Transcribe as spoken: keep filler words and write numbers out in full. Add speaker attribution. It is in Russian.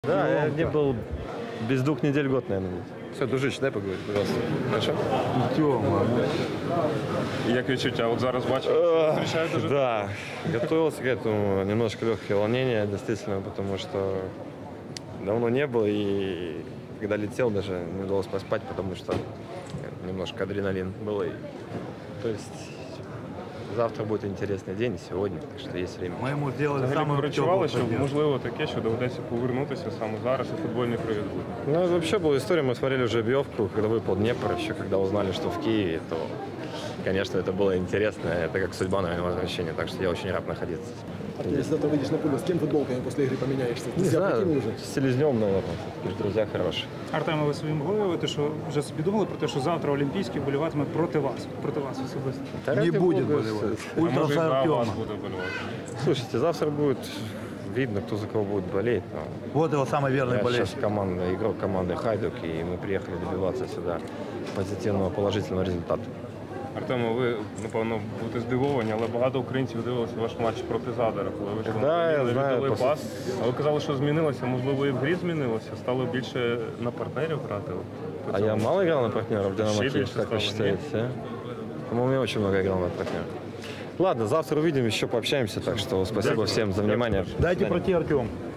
Speaker 1: Да, я не был без двух недель год, наверное.
Speaker 2: Все, дружище, дай поговорити, пожалуйста. Хорошо?
Speaker 3: Тьома.
Speaker 4: Як відчуття? От зараз бачу, зустрічаєте дуже.
Speaker 1: Да, готовился к этому. Немножко легкое волнение, действительно, потому что давно не был. И когда летел, даже не удалось поспать, потому что немножко адреналин был. И, то есть завтра будет интересный день, сегодня, так что есть время.
Speaker 3: Ми йому зробили
Speaker 4: Взагалі
Speaker 3: саме
Speaker 4: перечували, що можливо таке, що доведеться повернутися саме зараз і футбольний привід буде.
Speaker 1: Ну, вообще была история, мы смотрели уже Биевку, когда выпал Днепр, еще когда узнали, что в Киеве, то, конечно, это было интересно. Это как судьба, наверное, возвращения, так что я очень рад находиться.
Speaker 5: Артем, если завтра выйдешь на поле, с кем футболками после игры поменяешься? Ты
Speaker 1: Не
Speaker 5: себя
Speaker 1: знаю,
Speaker 5: прикинул уже?
Speaker 1: с Селезнем, наверное, друзья хорошие.
Speaker 6: Артема, ви собі могли уявити, що вже собі думали про те, що завтра Олімпійський боліватиме проти вас, проти вас особисто?
Speaker 1: Да
Speaker 3: Не
Speaker 1: ради
Speaker 3: будет
Speaker 1: бога,
Speaker 3: болевать.
Speaker 4: А
Speaker 3: Ультра
Speaker 4: може і
Speaker 3: за
Speaker 4: за вас
Speaker 3: Артема.
Speaker 4: буде болювати.
Speaker 1: Слушайте, завтра будет видно, кто за кого будет болеть. Но
Speaker 3: Вот его самый верный
Speaker 1: я
Speaker 3: болельщик.
Speaker 1: сейчас команда, игрок команды Хайдук, и мы приехали добиваться сюда позитивного, положительного результата.
Speaker 4: Артемо, ви, напевно, будете здивовані, але багато українців дивилися ваш матч проти Задара, коли ви ж
Speaker 1: Да, я
Speaker 4: віддали
Speaker 1: знаю, просто-
Speaker 4: пас. А ви казали, що змінилося, можливо, і в грі змінилося, стало більше на партнерів грати.
Speaker 1: А я мало играл на партнеров в Динамо
Speaker 4: Вообще
Speaker 1: Киев,
Speaker 4: меньше
Speaker 1: как вы
Speaker 4: стало,
Speaker 1: считаете? а? По-моему, я очень много играл на партнеров. Ладно, завтра увидим, еще пообщаемся, так что спасибо всем за внимание.
Speaker 3: Дайте пройти, Артем.